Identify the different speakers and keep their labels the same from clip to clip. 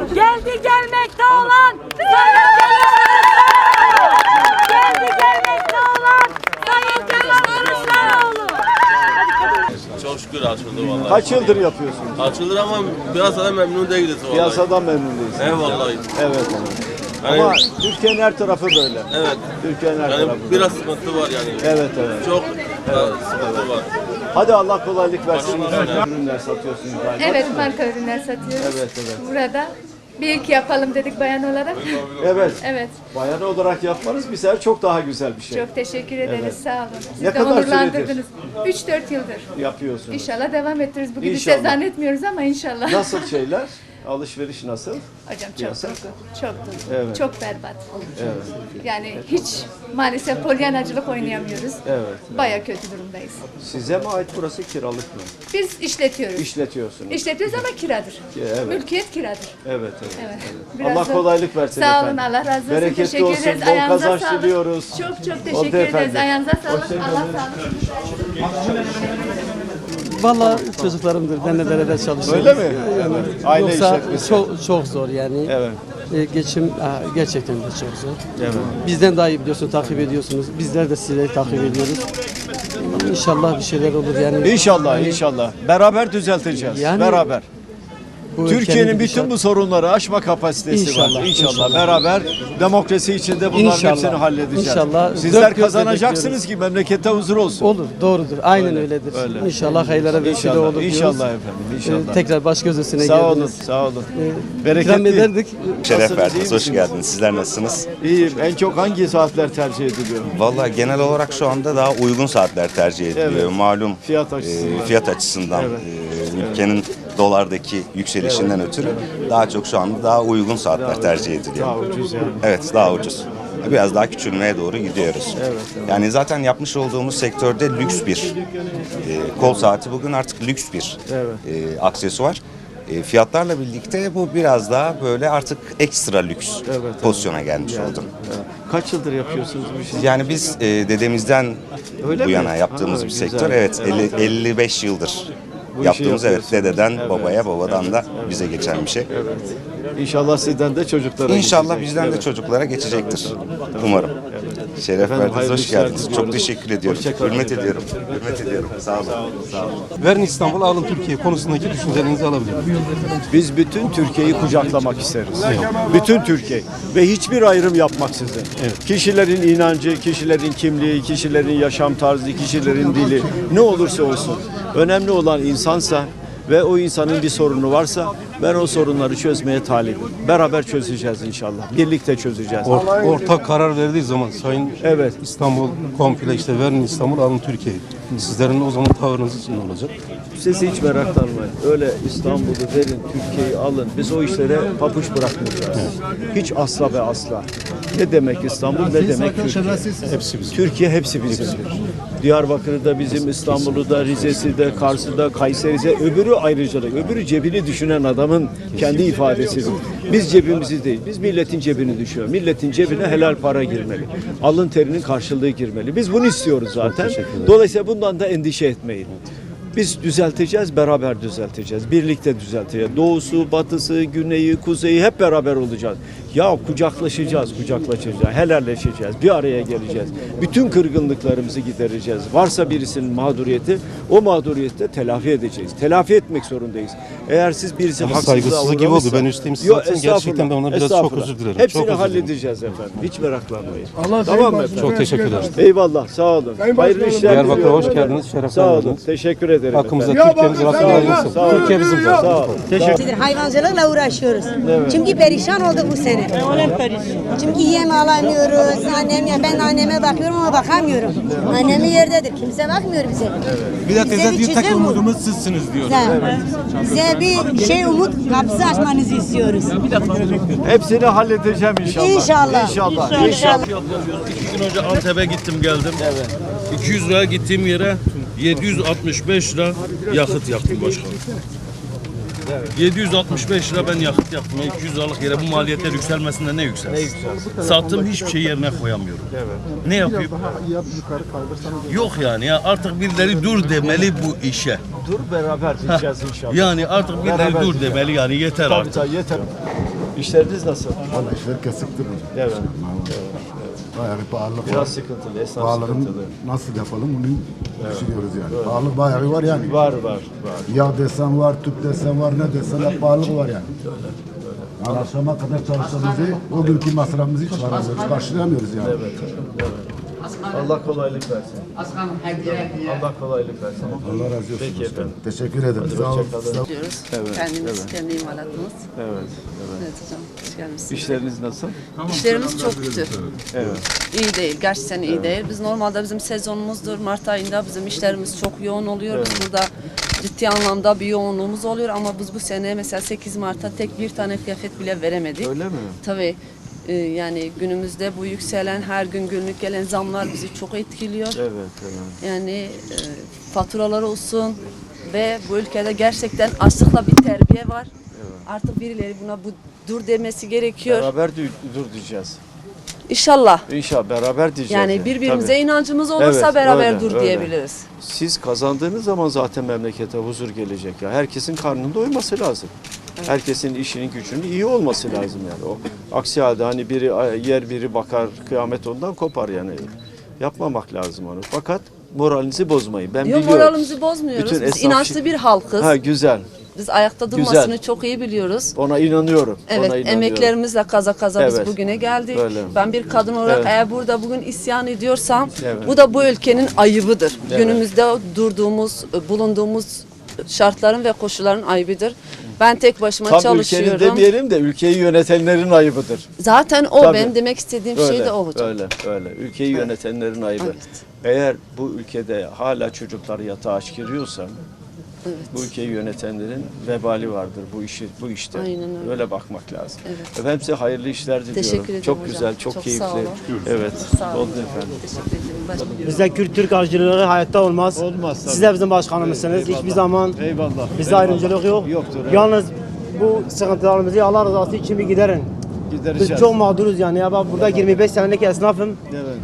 Speaker 1: Geldi gelmekte olan geldi gelmekte olan Sayın Kemal Kılıçdaroğlu.
Speaker 2: Çok şükür açıldı vallahi.
Speaker 3: Kaç yıldır yapıyorsunuz?
Speaker 2: Açılır ama biraz da memnun değiliz vallahi.
Speaker 3: Piyasadan memnun değilsiniz.
Speaker 2: Eyvallah.
Speaker 3: Evet.
Speaker 2: Yani,
Speaker 3: Ama Türkiye'nin her tarafı böyle.
Speaker 2: evet.
Speaker 3: Türkiye'nin her
Speaker 2: Yani
Speaker 3: tarafı.
Speaker 2: biraz sıkıntı var yani.
Speaker 3: Evet evet.
Speaker 2: Çok sıkıntı var.
Speaker 3: Hadi Allah kolaylık versin.
Speaker 2: Başımıza
Speaker 3: Ürünler satıyorsunuz galiba.
Speaker 4: Evet, marka ürünler satıyoruz.
Speaker 3: Evet evet.
Speaker 4: Burada bir ilk yapalım dedik bayan olarak.
Speaker 3: Evet.
Speaker 4: Evet,
Speaker 3: Bayan olarak yapmanız bir sefer çok daha güzel bir şey.
Speaker 4: çok teşekkür ederiz.
Speaker 3: Evet.
Speaker 4: Sağ olun. Siz
Speaker 3: Ne
Speaker 4: de
Speaker 3: kadar
Speaker 4: onurlandırdınız. 3-4 yıldır.
Speaker 3: Yapıyorsunuz.
Speaker 4: İnşallah devam ettiririz. Bugün
Speaker 3: İnşallah.
Speaker 4: size zannetmiyoruz ama inşallah.
Speaker 3: Nasıl şeyler? Alışveriş nasıl?
Speaker 4: Hocam çok
Speaker 3: Piyasa?
Speaker 4: durgun, çok durgun,
Speaker 3: Evet.
Speaker 4: çok berbat.
Speaker 3: Evet.
Speaker 4: Yani hiç maalesef polyanacılık oynayamıyoruz.
Speaker 3: Evet.
Speaker 4: Baya kötü durumdayız.
Speaker 3: Size mi ait burası kiralık mı?
Speaker 4: Biz işletiyoruz.
Speaker 3: İşletiyorsunuz.
Speaker 4: İşletiyoruz ama kiradır.
Speaker 3: Evet.
Speaker 4: Mülkiyet kiradır.
Speaker 3: Evet evet.
Speaker 4: Evet.
Speaker 3: Allah kolaylık versin
Speaker 4: Sağ
Speaker 3: efendim.
Speaker 4: olun, Allah razı olsun.
Speaker 3: Bereketli
Speaker 4: Teşekkür
Speaker 3: olsun,
Speaker 4: ederiz.
Speaker 3: bol
Speaker 4: Ayağınıza
Speaker 3: kazanç
Speaker 4: sağlık.
Speaker 3: diliyoruz.
Speaker 4: Çok
Speaker 3: Oldu
Speaker 4: teşekkür ederiz.
Speaker 3: efendim.
Speaker 4: Ayağınıza sağlık.
Speaker 3: Hoşça
Speaker 4: Allah
Speaker 3: kalın.
Speaker 4: sağlık.
Speaker 5: Vallahi çocuklarımdır. Ben de beraber çalışıyorum.
Speaker 3: Öyle mi? Evet. Aile
Speaker 5: Yoksa
Speaker 3: işletmesi.
Speaker 5: çok zor yani.
Speaker 3: Evet.
Speaker 5: Geçim gerçekten de çok zor.
Speaker 3: Evet.
Speaker 5: Bizden daha iyi biliyorsun, takip ediyorsunuz. Bizler de sizleri takip ediyoruz. İnşallah bir şeyler olur yani.
Speaker 3: İnşallah, inşallah. Beraber düzelteceğiz.
Speaker 5: Yani
Speaker 3: beraber.
Speaker 5: Bu
Speaker 3: Türkiye'nin
Speaker 5: ülkenin
Speaker 3: bütün bu sorunları aşma kapasitesi
Speaker 5: İnşallah,
Speaker 3: var. İnşallah.
Speaker 5: inşallah.
Speaker 3: Beraber demokrasi içinde bunların
Speaker 5: İnşallah,
Speaker 3: hepsini halledeceğiz.
Speaker 5: inşallah.
Speaker 3: Sizler
Speaker 5: Dört gözle
Speaker 3: kazanacaksınız
Speaker 5: bekliyoruz.
Speaker 3: ki memlekette huzur olsun.
Speaker 5: olur, doğrudur. Aynen öyledir.
Speaker 3: öyle.
Speaker 5: İnşallah hayırlara vesile
Speaker 3: İnşallah,
Speaker 5: olur diyoruz.
Speaker 3: inşallah efendim, inşallah.
Speaker 5: Tekrar baş göz üstüne
Speaker 3: Sağ olun,
Speaker 5: geldiniz.
Speaker 3: sağ olun.
Speaker 5: İkram
Speaker 3: Bereketli.
Speaker 5: ederdik.
Speaker 6: Şeref
Speaker 3: Nasılsınız, iyi
Speaker 6: verdiniz, hoş
Speaker 3: misiniz?
Speaker 6: geldiniz. Sizler nasılsınız?
Speaker 3: İyiyim. En çok hangi saatler tercih ediliyor?
Speaker 6: Vallahi genel olarak şu anda daha uygun saatler tercih ediliyor.
Speaker 3: Evet.
Speaker 6: Malum
Speaker 3: Fiyat açısından.
Speaker 6: fiyat açısından
Speaker 3: Evet.
Speaker 6: ülkenin dolardaki yükselişinden ötürü daha çok şu anda daha uygun saatler tercih ediliyor.
Speaker 3: Daha ucuz yani.
Speaker 6: Evet, daha ucuz. Biraz daha küçülmeye doğru gidiyoruz. Yani zaten yapmış olduğumuz sektörde lüks bir kol saati bugün artık lüks bir aksesuar. Fiyatlarla birlikte bu biraz daha böyle artık ekstra lüks pozisyona gelmiş oldu.
Speaker 3: Kaç yıldır yapıyorsunuz bu işi?
Speaker 6: Yani biz dedemizden
Speaker 3: Öyle
Speaker 6: bu
Speaker 3: mi?
Speaker 6: yana yaptığımız
Speaker 3: Ha,
Speaker 6: bir
Speaker 3: güzel.
Speaker 6: sektör. Evet, 55 yıldır
Speaker 3: Bu işi
Speaker 6: yaptığımız, evet,
Speaker 3: yapıyorsunuz.
Speaker 6: dededen
Speaker 3: Evet.
Speaker 6: babaya, babadan da bize geçen bir şey.
Speaker 3: Evet. İnşallah sizden de çocuklara
Speaker 6: İnşallah
Speaker 3: geçecek.
Speaker 6: bizden de
Speaker 3: Evet.
Speaker 6: çocuklara geçecektir. Umarım. Şeref
Speaker 3: Efendim,
Speaker 6: verdiniz,
Speaker 3: hayırlı
Speaker 6: hoş
Speaker 3: işler
Speaker 6: geldiniz.
Speaker 3: diliyoruz.
Speaker 6: Çok teşekkür ediyorum.
Speaker 3: Hoşça kalın
Speaker 6: Hürmet
Speaker 3: efendim.
Speaker 6: ediyorum. Hürmet ediyorum. Sağ olun. Sağ olun.
Speaker 7: Verin İstanbul, alın Türkiye konusundaki düşüncelerinizi alabilir miyim?
Speaker 3: Biz bütün Türkiye'yi kucaklamak isteriz. Bütün Türkiye ve hiçbir ayrım yapmaksızın. Kişilerin inancı, kişilerin kimliği, kişilerin yaşam tarzı, kişilerin dili ne olursa olsun. Önemli olan insansa ve o insanın bir sorunu varsa ben o sorunları çözmeye talibim. Beraber çözeceğiz inşallah. Birlikte çözeceğiz.
Speaker 7: Ortak karar verdiği zaman Sayın
Speaker 3: Evet.
Speaker 7: İstanbul komple işte verin İstanbul, alın Türkiye. Sizlerin o zaman tavrınız ne olacak?
Speaker 3: Siz hiç meraklanmayın. Öyle İstanbul'u verin, Türkiye'yi alın. Biz o işlere papuç bırakmayacağız. Hiç asla ve asla. Ne demek İstanbul, ne demek Türkiye?
Speaker 7: Hepsi bizim.
Speaker 3: Türkiye hepsi bizimdir. Diyarbakır'ı da bizim, İstanbul'u da, Rize'si de, Kars'ı da, Kayseri'si de, öbürü ayrıcalık. Öbürü cebini düşünen adamın kendi ifadesidir. Biz cebimizi değil, biz milletin cebini düşüyor. Milletin cebine helal para girmeli. Alın terinin karşılığı girmeli. Biz bunu istiyoruz zaten. Dolayısıyla bundan da endişe etmeyin. Biz düzelteceğiz, beraber düzelteceğiz. Birlikte düzelteceğiz. Doğusu, batısı, güneyi, kuzeyi hep beraber olacağız. Ya kucaklaşacağız, helalleşeceğiz, bir araya geleceğiz. Bütün kırgınlıklarımızı gidereceğiz. Varsa birisinin mağduriyeti, o mağduriyeti de telafi edeceğiz. Telafi etmek zorundayız. Eğer siz birisi haksızlığa
Speaker 7: saygısızlık gibi oldu. Ben üsteyim siz zaten. Gerçekten ben ona biraz çok
Speaker 3: estağfurullah.
Speaker 7: özür dilerim.
Speaker 3: Hepsini
Speaker 7: Çok özür dilerim.
Speaker 3: halledeceğiz efendim. Hiç meraklanmayın. Tamam mı efendim?
Speaker 7: Çok teşekkürler.
Speaker 3: Eyvallah, sağ olun. Hayırlı işler
Speaker 7: Diyarbakır'a
Speaker 3: diliyorum
Speaker 7: hoş
Speaker 3: efendim.
Speaker 7: geldiniz, şeref
Speaker 3: Sağ olun,
Speaker 7: verdiniz.
Speaker 3: teşekkür ederim
Speaker 7: Hakkımızda
Speaker 3: efendim.
Speaker 7: Türkiye'miz Rabbim hayırlısı.
Speaker 3: Sağ olun.
Speaker 7: Türkiye bizim zaten.
Speaker 3: Sağ olun. Teşekkür
Speaker 8: Hayvancılıkla uğraşıyoruz. Çünkü perişan olduk bu sene. Çünkü yem alamıyoruz. Ben anneme bakıyorum ama bakamıyorum. Annemi yerdedir. Kimse bakmıyor bize.
Speaker 9: Bir de teyze
Speaker 8: Bize
Speaker 9: diyor tek
Speaker 8: çözüm bu.
Speaker 9: umudumuz sizsiniz diyor.
Speaker 8: Bize bir umut kapısı açmanızı istiyoruz.
Speaker 3: Hepsini halledeceğim inşallah.
Speaker 8: İnşallah.
Speaker 3: İnşallah.
Speaker 8: İnşallah.
Speaker 2: 2 gün önce Antep'e gittim geldim. 200 lira gittiğim yere 765 lira yakıt yaktım başkanım. 765 lira ben yakıt yaktım. 200 liralık yere bu maliyetler yükselmesinde ne yükselsin? Sattığım hiçbir şey yerine koyamıyorum. Ne yapayım? Yok yani ya artık birileri dur demeli bu işe.
Speaker 3: Dur beraber gideceğiz inşallah.
Speaker 2: Yani artık birileri dur demeli yani yeter artık.
Speaker 3: Yeter. İşleriniz nasıl?
Speaker 9: Vallahi işler kesiktir.
Speaker 3: Evet.
Speaker 9: Bayağı bir pahalılık
Speaker 3: Biraz
Speaker 9: var.
Speaker 3: sıkıntılı, esnaf
Speaker 9: Pahalılığın
Speaker 3: sıkıntılı.
Speaker 9: nasıl yapalım bunu düşünüyoruz yani. Pahalılık bayağı var yani.
Speaker 3: Var.
Speaker 9: Yağ desen var, tüp desen var, ne desen hep pahalılık var yani. Yani akşama kadar çalıştığımızı, o günkü masrafımızı çıkaramıyoruz, karşılayamıyoruz yani.
Speaker 3: Allah kolaylık versin. Allah kolaylık versin.
Speaker 9: Allah razı olsun.
Speaker 3: Peki efendim.
Speaker 9: Teşekkür ederim. Sağ olun.
Speaker 3: Hoşçakalın.
Speaker 10: Diyoruz.
Speaker 3: Evet,
Speaker 10: Kendimiz, kendi imalatımız.
Speaker 3: Evet.
Speaker 10: Evet hocam, hoş geldiniz.
Speaker 3: İşleriniz nasıl?
Speaker 10: İşlerimiz çok kötü.
Speaker 3: Evet.
Speaker 10: İyi değil, gerçekten iyi değil. Biz normalde bizim sezonumuzdur. Mart ayında bizim işlerimiz çok yoğun oluyor. Biz burada ciddi anlamda bir yoğunluğumuz oluyor ama biz bu sene mesela 8 Mart'ta tek bir tane kıyafet bile veremedik.
Speaker 3: Öyle mi?
Speaker 10: Tabii. Yani günümüzde bu yükselen, her gün günlük gelen zamlar bizi çok etkiliyor.
Speaker 3: Evet.
Speaker 10: Yani faturalar olsun ve bu ülkede gerçekten açlıkla bir terbiye var. Artık birileri buna dur demesi gerekiyor.
Speaker 3: Beraber dur diyeceğiz.
Speaker 10: İnşallah.
Speaker 3: İnşallah beraber diyeceğiz.
Speaker 10: Yani birbirimize
Speaker 3: Tabii.
Speaker 10: inancımız olursa
Speaker 3: Evet,
Speaker 10: beraber
Speaker 3: öyle,
Speaker 10: dur
Speaker 3: öyle.
Speaker 10: diyebiliriz.
Speaker 3: Siz kazandığınız zaman zaten memlekete huzur gelecek ya. Herkesin karnının doyması lazım. Herkesin işinin gücünün iyi olması lazım yani. O aksi halde hani biri yer biri bakar kıyamet ondan kopar yani. Yapmamak lazım onu. Fakat moralinizi bozmayın. Ben
Speaker 10: Yok,
Speaker 3: biliyorum.
Speaker 10: moralimizi bozmuyoruz.
Speaker 3: Bütün
Speaker 10: Biz
Speaker 3: esnaf-
Speaker 10: inançlı bir halkız.
Speaker 3: Ha güzel.
Speaker 10: Biz ayakta durmasını çok iyi biliyoruz.
Speaker 3: Ona inanıyorum.
Speaker 10: Evet,
Speaker 3: Ona inanıyorum.
Speaker 10: emeklerimizle kaza
Speaker 3: Evet.
Speaker 10: biz bugüne geldik.
Speaker 3: Öyle.
Speaker 10: Ben bir kadın olarak
Speaker 3: Evet.
Speaker 10: eğer burada bugün isyan ediyorsam
Speaker 3: Evet.
Speaker 10: bu da bu ülkenin ayıbıdır.
Speaker 3: Evet.
Speaker 10: Günümüzde bulunduğumuz şartların ve koşulların ayıbıdır. Ben tek başıma
Speaker 3: Tam
Speaker 10: çalışıyorum.
Speaker 3: ülkenin demeyelim de ülkeyi yönetenlerin ayıbıdır.
Speaker 10: Zaten o
Speaker 3: Tabii.
Speaker 10: benim demek istediğim şey de o hocam.
Speaker 3: Öyle. Ülkeyi yönetenlerin ayıbı.
Speaker 10: Evet.
Speaker 3: Eğer bu ülkede hala çocuklar yatağa aç giriyorsa bu ülkeyi yönetenlerin vebali vardır bu işte.
Speaker 10: Aynen öyle.
Speaker 3: Öyle bakmak lazım.
Speaker 10: Evet.
Speaker 3: Efendim size hayırlı işler diliyorum.
Speaker 10: Teşekkür ederim
Speaker 3: Çok
Speaker 10: hocam.
Speaker 3: güzel, çok
Speaker 10: Çok
Speaker 3: keyifli.
Speaker 10: sağ olun.
Speaker 3: Evet.
Speaker 10: Sağ olun.
Speaker 3: Oldu efendim.
Speaker 10: Teşekkür ederim.
Speaker 5: Bizde Kürt-Türk ayrıcalığı hayatta olmaz.
Speaker 3: Olmaz tabii.
Speaker 5: Siz de bizim başkanımızsınız. Hiçbir zaman
Speaker 3: Eyvallah.
Speaker 5: bizde ayrımcılık yok.
Speaker 3: Yoktur, evet.
Speaker 5: Yalnız bu sıkıntılarımızı Allah rızası için bir giderin. Biz
Speaker 3: Gidereceğiz.
Speaker 5: çok mağduruz yani. Ya bak burada 25 senelik esnafım.
Speaker 3: Evet.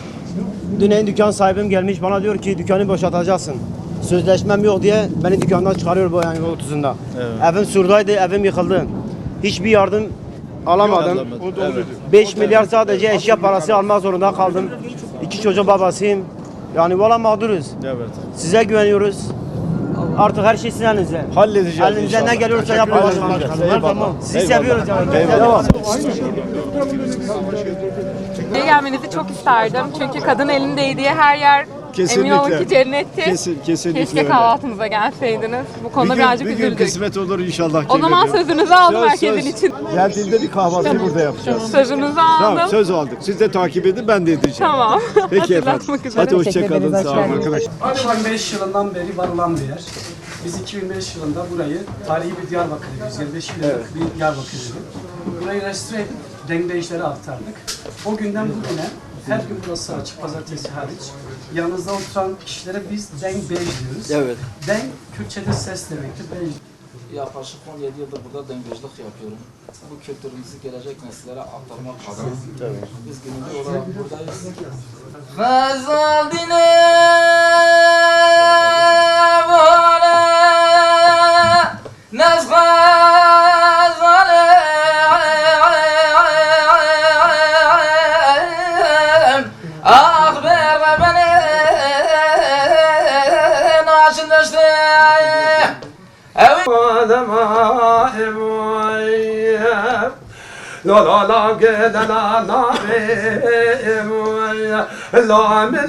Speaker 5: Dün dükkan sahibim gelmiş bana diyor ki dükkanı boşaltacaksın. Sözleşmem yok diye beni dükkandan çıkarıyor bu yani 30'unda.
Speaker 3: Evet.
Speaker 5: Evim surdaydı, evim yıkıldı. Hiçbir yardım alamadım.
Speaker 3: Evet.
Speaker 5: 5 milyar sadece eşya parası almak zorunda kaldım. 2 çocuğun babasıyım. Yani valla mağduruz.
Speaker 3: Evet.
Speaker 5: Size güveniyoruz. Artık her şey sizin elinizde.
Speaker 3: Halledeceğiz
Speaker 5: Elinizden
Speaker 3: inşallah.
Speaker 5: ne geliyorsa yapın başkanım.
Speaker 3: Eyvallah.
Speaker 5: Tamam. Sizi
Speaker 3: Eyvallah.
Speaker 5: seviyoruz yani.
Speaker 3: Eyvallah.
Speaker 11: Buraya gelmenizi çok isterdim. Çünkü kadın elindeydi diye her yer emin olun ki cennetti.
Speaker 3: Kesinlikle
Speaker 11: Keşke
Speaker 3: öyle.
Speaker 11: kahvaltımıza gelseydiniz. Bu konuda birazcık
Speaker 3: bir gün
Speaker 11: üzüldük.
Speaker 3: kısmet olur inşallah.
Speaker 11: O zaman
Speaker 3: gelirim.
Speaker 11: sözünüzü aldım
Speaker 3: Söz,
Speaker 11: herkesin
Speaker 3: söz.
Speaker 11: için.
Speaker 3: Geldiğinde bir kahvaltıyı burada yapacağız.
Speaker 11: Sözünüzü
Speaker 3: Tamam
Speaker 11: aldım.
Speaker 3: söz aldık. Siz de takip edin ben de edeceğim.
Speaker 11: Tamam.
Speaker 3: Peki efendim.
Speaker 11: Hatırlatmak üzere.
Speaker 3: Hadi hoşçakalın. Sağ olun arkadaşlar.
Speaker 12: 2005 yılından beri var olan bir yer. Biz 2005 yılında burayı tarihi bir Diyarbakır evi, 125 yıllık bir Diyarbakır evi. Burayı restore edip denkbeşlere aktardık. O günden bugüne her gün burası açık, pazartesi hariç. Yanınızda oturan kişilere biz denk bej diyoruz.
Speaker 3: Evet.
Speaker 12: Denk Kürtçe'de ses demektir. Bej.
Speaker 13: Yaklaşık 17 yıldır burada dengecilik yapıyorum. Bu kültürümüzü gelecek nesillere aktarmak adına. Biz gönüllü olarak buradayız. Gazal dine vale naz gazale akber beni naşındaştı
Speaker 12: La la la ge la la la la min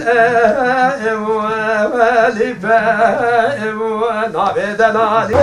Speaker 12: li fa na be da la li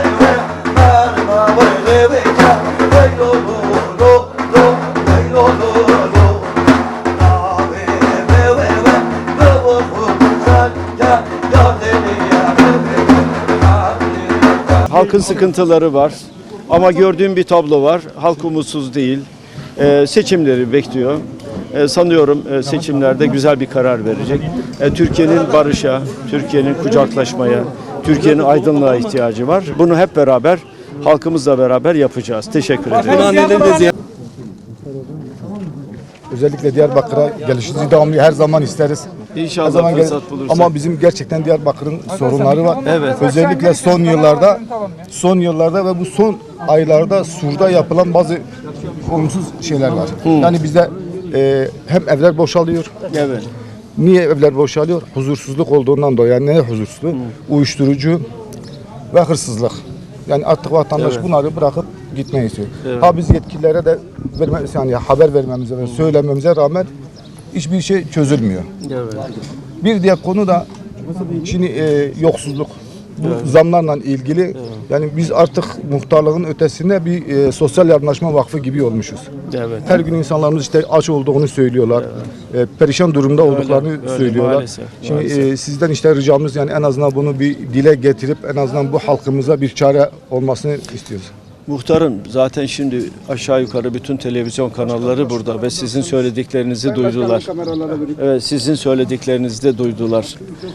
Speaker 3: Halkın sıkıntıları var. Ama gördüğüm bir tablo var. Halk umutsuz değil. Seçimleri bekliyor. Sanıyorum seçimlerde güzel bir karar verecek. Türkiye'nin barışa, Türkiye'nin kucaklaşmaya, Türkiye'nin aydınlığa ihtiyacı var. Bunu hep beraber, halkımızla beraber yapacağız. Teşekkür ederim.
Speaker 9: Özellikle Diyarbakır'a gelişinizi devamlı her zaman isteriz. Her
Speaker 3: İnşallah
Speaker 9: zaman
Speaker 3: fırsat bulursak.
Speaker 9: Ama bizim gerçekten Diyarbakır'ın sorunları var.
Speaker 3: Evet.
Speaker 9: Özellikle son yıllarda ve bu son aylarda Sur'da yapılan bazı
Speaker 14: olumsuz şeyler var. Yani bizde hem evler boşalıyor.
Speaker 3: Evet.
Speaker 14: Niye evler boşalıyor? Huzursuzluk olduğundan dolayı. Yani ne huzursuzluğu? Uyuşturucu ve hırsızlık. Yani artık vatandaş bunları bırakıp gitmeyi istiyor. Ha biz yetkililere de yani haber vermemize ve söylememize rağmen hiçbir şey çözülmüyor. Bir diğer konu da şimdi yoksulluk. Bu zamlarla ilgili yani biz artık muhtarlığın ötesinde bir sosyal yardımlaşma vakfı gibi olmuşuz. Her gün insanlarımız işte aç olduğunu söylüyorlar. Perişan durumda olduklarını söylüyorlar.
Speaker 3: Maalesef,
Speaker 14: Şimdi sizden işte ricamız yani en azından bunu bir dile getirip en azından bu halkımıza bir çare olmasını istiyoruz.
Speaker 3: Muhtarım zaten şimdi aşağı yukarı bütün televizyon kanalları burada ve sizin söylediklerinizi duydular. Evet, sizin söylediklerinizi de duydular.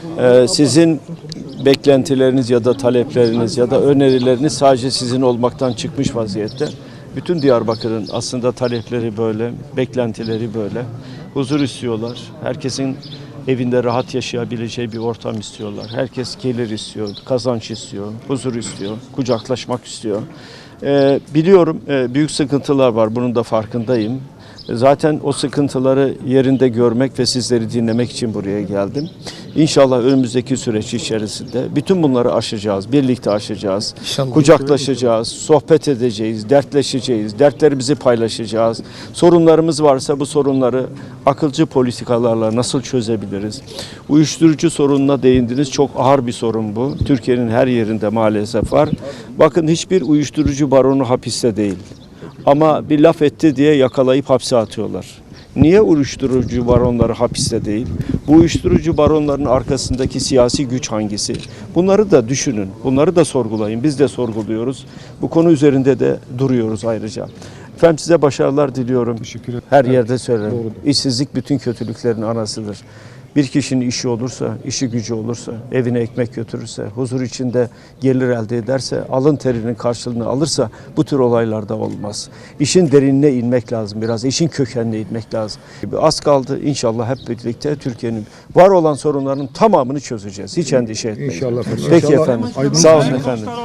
Speaker 3: Sizin beklentileriniz ya da talepleriniz ya da önerileriniz sadece sizin olmaktan çıkmış vaziyette. Bütün Diyarbakır'ın aslında talepleri böyle, beklentileri böyle. Huzur istiyorlar. Herkesin evinde rahat yaşayabileceği bir ortam istiyorlar. Herkes gelir istiyor, kazanç istiyor, huzur istiyor, kucaklaşmak istiyor. Biliyorum büyük sıkıntılar var, bunun da farkındayım. Zaten o sıkıntıları yerinde görmek ve sizleri dinlemek için buraya geldim. İnşallah önümüzdeki süreç içerisinde bütün bunları aşacağız, birlikte aşacağız. Kucaklaşacağız, sohbet edeceğiz, dertleşeceğiz, dertlerimizi paylaşacağız. Sorunlarımız varsa bu sorunları akılcı politikalarla nasıl çözebiliriz? Uyuşturucu sorununa değindiniz, çok ağır bir sorun bu. Türkiye'nin her yerinde maalesef var. Bakın hiçbir uyuşturucu baronu hapiste değil. Ama bir laf etti diye yakalayıp hapse atıyorlar. Niye uyuşturucu baronları hapiste değil? Bu uyuşturucu baronların arkasındaki siyasi güç hangisi? Bunları da düşünün, bunları da sorgulayın. Biz de sorguluyoruz. Bu konu üzerinde de duruyoruz ayrıca. Efendim size başarılar diliyorum. Her yerde söylerim. İşsizlik bütün kötülüklerin anasıdır. Bir kişinin işi olursa, işi gücü olursa, evine ekmek götürürse, huzur içinde gelir elde ederse, alın terinin karşılığını alırsa bu tür olaylarda olmaz. İşin derinine inmek lazım biraz, işin kökenine inmek lazım. Az kaldı inşallah hep birlikte Türkiye'nin var olan sorunlarının tamamını çözeceğiz. Hiç endişe etmeyin.
Speaker 14: İnşallah.
Speaker 3: Peki efendim. Sağ olun efendim.